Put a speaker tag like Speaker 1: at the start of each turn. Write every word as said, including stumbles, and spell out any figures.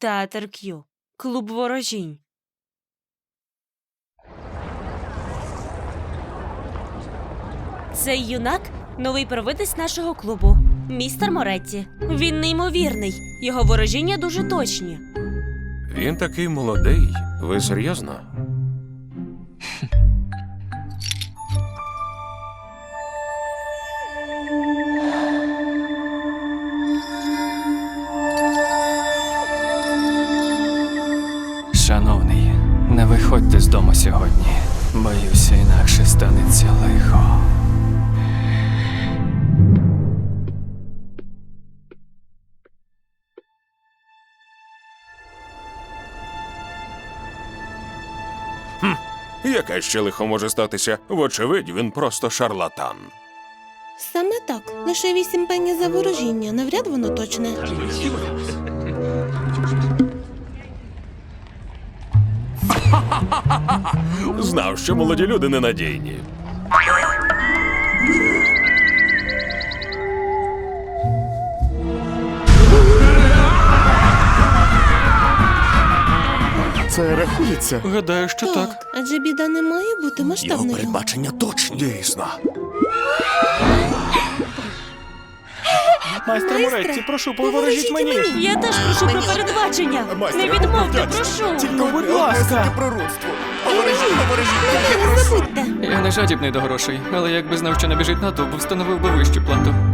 Speaker 1: Театр К'ю. Клуб ворожінь. Цей юнак – новий провидець нашого клубу. Містер Моретті. Він неймовірний. Його ворожіння дуже точні.
Speaker 2: Він такий молодий. Ви серйозно?
Speaker 3: Шановний, не виходьте з дому сьогодні. Боюся, інакше станеться лихо.
Speaker 2: Яке ще лихо може статися? Вочевидь, він просто шарлатан.
Speaker 4: Саме так. Лише вісім пені за ворожіння. Навряд воно точне.
Speaker 2: Знав, що молоді люди ненадійні.
Speaker 5: Це рахується?
Speaker 3: Гадаю, що так.
Speaker 4: Адже біда не має бути масштабною.
Speaker 2: передбачення точні. Дійсно.
Speaker 5: Майстер Моретті, прошу, поворожіть мені!
Speaker 1: Я теж прошу про передбачення. Не відмовте, прошу.
Speaker 5: Ну, будь ласка!
Speaker 4: Не забудьте.
Speaker 3: Я не жадібний до грошей, але якби знав, що набіжить натовп, встановив би вищу плату.